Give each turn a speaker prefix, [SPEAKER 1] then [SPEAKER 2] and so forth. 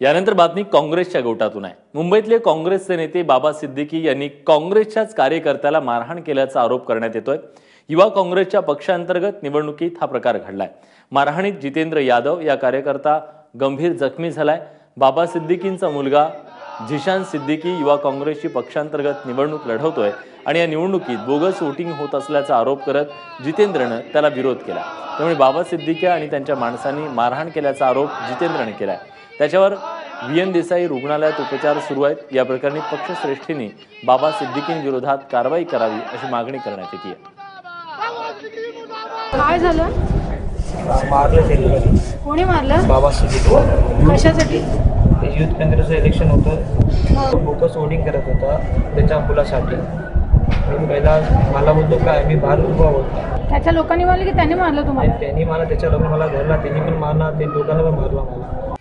[SPEAKER 1] यानंतर बातमी काँग्रेसच्या गोटातून आहे। मुंबईतले काँग्रेसचे नेते बाबा सिद्दीकी यांनी काँग्रेसच्याच कार्यकर्त्याला मारहाण केल्याचा आरोप करण्यात येतोय। युवा काँग्रेसच्या पक्षांतर्गत निवडणुकीत हा प्रकार घडलाय। मारहाणीत जितेंद्र यादव या कार्यकर्ता गंभीर जखमी झालाय। बाबा सिद्दीकींचा मुलगा झिशान सिद्दीकी युवा काँग्रेसची पक्षांतर्गत निवडणूक लढवतोय आणि या निवडणुकीत बोगस वोटिंग होत असल्याचा आरोप करत जितेंद्रने त्याला विरोध केला। त्यामुळे बाबा सिद्दीकी आणि त्यांच्या माणसांनी मारहाण केल्याचा आरोप जितेंद्रने केलाय। त्याच्यावर VN देसाई रुग्णालयात उपचार सुरू आहेत। या प्रकरणी पक्षश्रेष्ठींनी बाबा सिद्दीकींविरोधात कारवाई करावी अशी मागणी करण्यात येते।
[SPEAKER 2] काय झालं?
[SPEAKER 3] मारलं त्यांनी।
[SPEAKER 2] कोणी मारलं?
[SPEAKER 3] बाबा सिद्दीकी।
[SPEAKER 2] कशासाठी?
[SPEAKER 3] युथ काँग्रेसचं इलेक्शन होतं, बोगस वोटिंग करत होता त्याच्या मुलासाठी। मी पहिला मला बोलतो काय मी बाहेर उभा होता,
[SPEAKER 2] त्याच्या लोकांनी मारलं की त्यांनी मारलं तुम्हाला?
[SPEAKER 3] त्यांनी मला त्याच्या लोकांना मला धरला, त्यांनी पण मारला, ते लोकांना पण मारला मला।